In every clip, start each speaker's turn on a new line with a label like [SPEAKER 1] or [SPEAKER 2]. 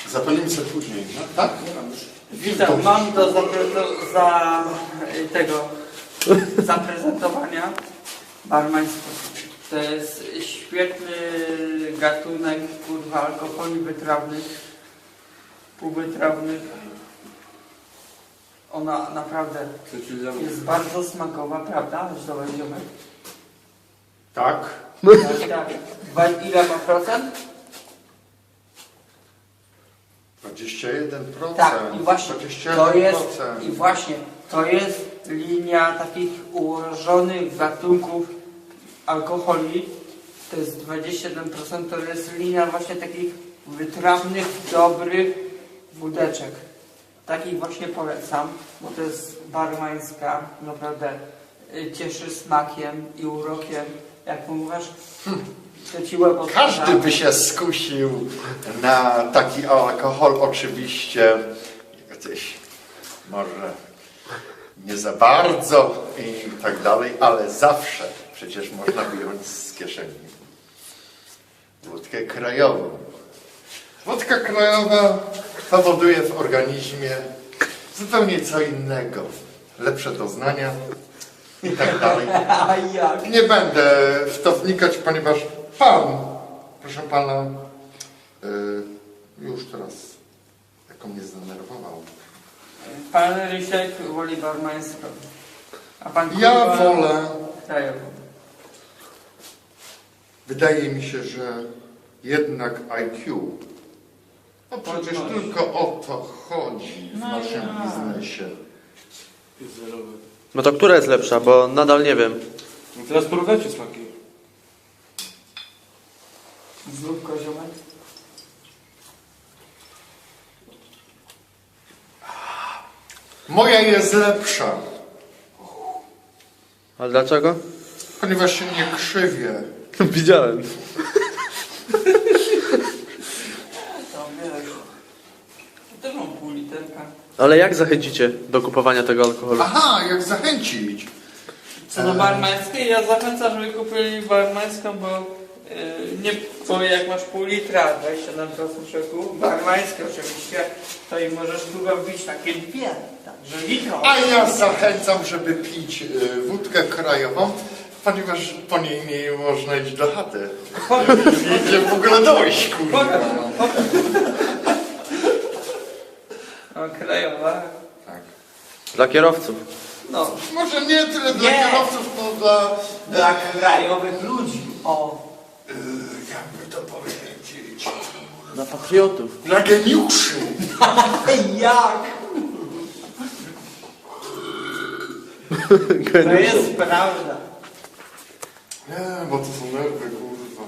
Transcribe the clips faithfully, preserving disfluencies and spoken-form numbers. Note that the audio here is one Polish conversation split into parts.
[SPEAKER 1] Zapalimy sobie później, no? Tak?
[SPEAKER 2] Witam, mam do, za, do za tego zaprezentowania barmańskiego. To jest świetny gatunek kurwa alkoholi wytrawnych, półwytrawnych. Ona naprawdę jest bardzo smakowa, prawda? Zobacz, ziomek.
[SPEAKER 1] Tak.
[SPEAKER 2] Tak, tak. Dwa- Ile ma procent?
[SPEAKER 1] dwadzieścia jeden procent.
[SPEAKER 2] Tak, i właśnie
[SPEAKER 1] dwadzieścia
[SPEAKER 2] to
[SPEAKER 1] jeden
[SPEAKER 2] jest,
[SPEAKER 1] procent.
[SPEAKER 2] i właśnie to jest linia takich ułożonych gatunków alkoholi. To jest dwadzieścia jeden procent, to jest linia właśnie takich wytrawnych, dobrych wódeczek. Takich właśnie polecam, bo to jest barmańska, naprawdę y, cieszy smakiem i urokiem. Jak mówisz, to ci łeb odpada.
[SPEAKER 1] Każdy by się skusił na taki alkohol, oczywiście gdzieś może nie za bardzo i tak dalej, ale zawsze przecież można wyjąć z kieszeni wódkę krajową. Wódka krajowa powoduje w organizmie zupełnie co innego. Lepsze doznania i tak dalej.
[SPEAKER 2] A jak?
[SPEAKER 1] Nie będę w to wnikać, ponieważ pan, proszę pana, yy, już teraz jako mnie zdenerwował.
[SPEAKER 2] Pan Rysiek woli barmańską, a pan
[SPEAKER 1] Ja
[SPEAKER 2] kurwa
[SPEAKER 1] wolę,
[SPEAKER 2] krajową.
[SPEAKER 1] wydaje mi się, że jednak I Q, no przecież
[SPEAKER 2] Podnosi.
[SPEAKER 1] tylko o to chodzi w
[SPEAKER 2] No
[SPEAKER 1] naszym
[SPEAKER 2] ja.
[SPEAKER 1] biznesie.
[SPEAKER 3] No to która jest lepsza, bo nadal nie wiem.
[SPEAKER 4] No teraz porównajcie smaki.
[SPEAKER 2] Znów koziomek?
[SPEAKER 1] Moja jest lepsza,
[SPEAKER 3] Ale dlaczego?
[SPEAKER 1] ponieważ się nie krzywię.
[SPEAKER 3] Widziałem.
[SPEAKER 2] To wiesz. Też mam pół literka.
[SPEAKER 3] Ale jak zachęcicie do kupowania tego alkoholu?
[SPEAKER 1] Aha, jak zachęcić?
[SPEAKER 2] Co do barmańskiej, ja zachęcam, żeby kupili barmańską, bo yy, nie bo jak masz pół litra, dwadzieścia siedem procent szoku, barmańskie oczywiście, to i możesz długo wbić takie dwie, także litro.
[SPEAKER 1] A ja zachęcam, żeby pić y, wódkę krajową, ponieważ po niej nie można iść do chaty. Nie idzie w ogóle dojść, kurwa.
[SPEAKER 2] No, krajowa.
[SPEAKER 1] Tak.
[SPEAKER 3] Dla kierowców.
[SPEAKER 2] No,
[SPEAKER 1] Może nie tyle dla
[SPEAKER 2] Nie.
[SPEAKER 1] kierowców, no dla...
[SPEAKER 2] dla krajowych ludzi. O,
[SPEAKER 1] y, jakby to powiedzieć...
[SPEAKER 3] Dla patriotów.
[SPEAKER 1] Dla geniuszy.
[SPEAKER 2] jak? To jest prawda.
[SPEAKER 1] Nie, bo to są nerwy, kurwa.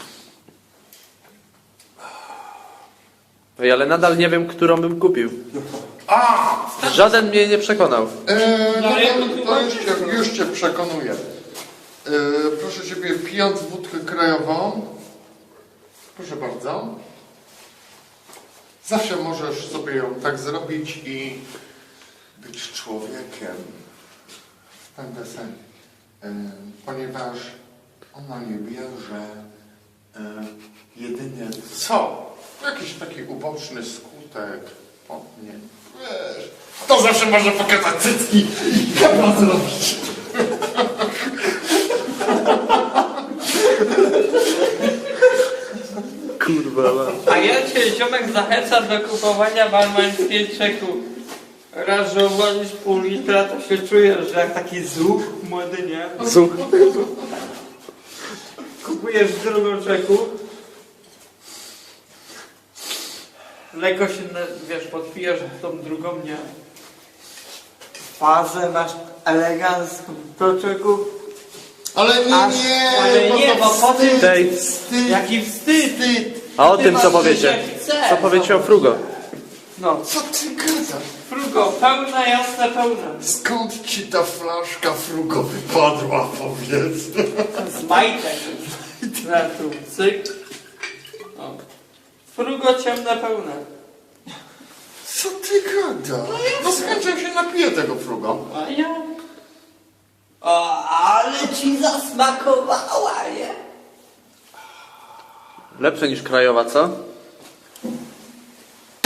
[SPEAKER 3] Ej, ale nadal nie wiem, którą bym kupił.
[SPEAKER 1] A!
[SPEAKER 3] Żaden mnie nie przekonał.
[SPEAKER 1] E, no
[SPEAKER 2] No, ja
[SPEAKER 1] to,
[SPEAKER 2] bym
[SPEAKER 1] to
[SPEAKER 2] chyba
[SPEAKER 1] już, cię, już cię przekonuję. E, proszę Ciebie, pijąc wódkę krajową, proszę bardzo, zawsze możesz sobie ją tak zrobić i być człowiekiem w ten desen, e, ponieważ ona nie bierze e, jedynie co? Jakiś taki uboczny skutek. O, nie. Wiesz, to zawsze można pokazać cycki i chyba zrobić.
[SPEAKER 3] Kurwa. ma.
[SPEAKER 2] A ja cię, ziomek, zachęcam do kupowania barmańskiej czeku. Raz, że uwolnisz pół litra, to się czujesz, że jak taki zuch młody, nie?
[SPEAKER 3] Zuch.
[SPEAKER 2] Kupujesz drugą czeku. Lekko się, wiesz, podpijesz tą drugą, nie? Fazę masz elegancką do czeku.
[SPEAKER 1] Ale nie,
[SPEAKER 2] Aż-
[SPEAKER 1] nie,
[SPEAKER 2] ale
[SPEAKER 1] bo
[SPEAKER 2] nie,
[SPEAKER 1] to
[SPEAKER 2] bo po tym-
[SPEAKER 1] wstyd,
[SPEAKER 3] Tej.
[SPEAKER 1] wstyd.
[SPEAKER 2] Jaki wstyd!
[SPEAKER 1] Wstyd.
[SPEAKER 3] A o
[SPEAKER 2] Ty
[SPEAKER 3] tym co
[SPEAKER 2] masz
[SPEAKER 3] powiecie?
[SPEAKER 2] życie jak chcesz.
[SPEAKER 3] Co powiecie o Frugo?
[SPEAKER 2] No,
[SPEAKER 1] Co ty gadasz?
[SPEAKER 2] frugo, pełna, jasna, pełna.
[SPEAKER 1] Skąd ci ta flaszka frugo wypadła, powiedz?
[SPEAKER 2] Z majtek. Na tu, cyk. O. Frugo ciemne, pełne.
[SPEAKER 1] Co ty gadasz? No z chęcią się napiję tego frugo.
[SPEAKER 2] A ja? O, ale ci zasmakowała, nie?
[SPEAKER 3] Lepsze niż krajowa, co?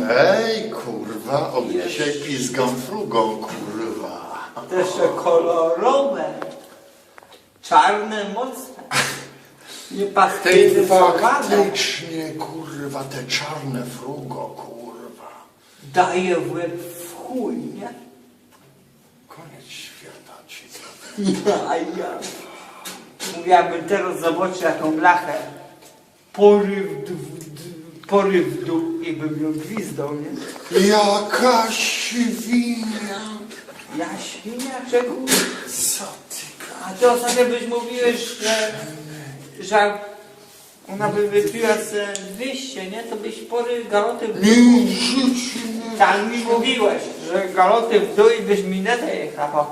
[SPEAKER 1] Ej, kurwa, od dzisiaj pizgam frugą, kurwa.
[SPEAKER 2] Te jeszcze kolorowe. Czarne, mocne. Nie
[SPEAKER 1] Tej
[SPEAKER 2] pasteryzowane.
[SPEAKER 1] faktycznie, kurwa, te czarne frugo, kurwa.
[SPEAKER 2] Daje w łeb w chuj, nie?
[SPEAKER 1] Koniec świata ci.
[SPEAKER 2] Ja, ja. Mówiłabym teraz zobaczyć jaką blachę. Poryw, d, d, poryw w dół i bym ją gwizdał, nie?
[SPEAKER 1] Jaka świnia.
[SPEAKER 2] Ja świnia czego?
[SPEAKER 1] Co ty
[SPEAKER 2] A ty ostatnio byś mówiłeś, że, że ona by wypiła ze dwieście, nie? To byś pory galoty w dół.
[SPEAKER 1] Nie, w życiu nie.
[SPEAKER 2] Tak mi mówiłeś, że galoty w dół i byś minetę jechał.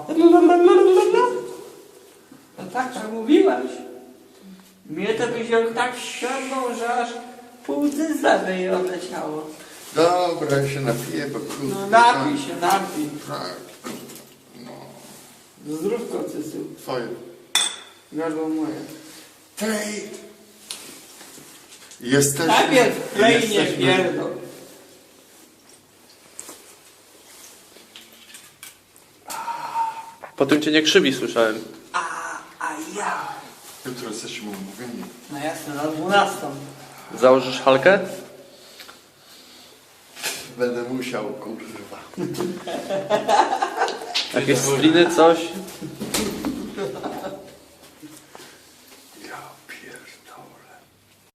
[SPEAKER 2] No tak, że mówiłeś. Mnie to byś ją tak ściągnął, że aż pół cyzla by jej odleciało.
[SPEAKER 1] Dobra, ja się napiję, bo kurwa.
[SPEAKER 2] No napij się, napij.
[SPEAKER 1] Tak. No,
[SPEAKER 2] Zdrówko cysu.
[SPEAKER 1] twoje.
[SPEAKER 2] Gardło moje.
[SPEAKER 1] Tej. Jesteśmy...
[SPEAKER 2] Najpierw klej nie
[SPEAKER 1] jesteśmy-
[SPEAKER 2] pierdol.
[SPEAKER 3] Potem cię nie krzywi, słyszałem.
[SPEAKER 2] A, a ja.
[SPEAKER 1] Jutro jesteśmy umówieni.
[SPEAKER 2] No jasne, na dwunastą.
[SPEAKER 3] Założysz halkę?
[SPEAKER 1] Będę musiał, kurwa.
[SPEAKER 3] Jakieś spliny, coś?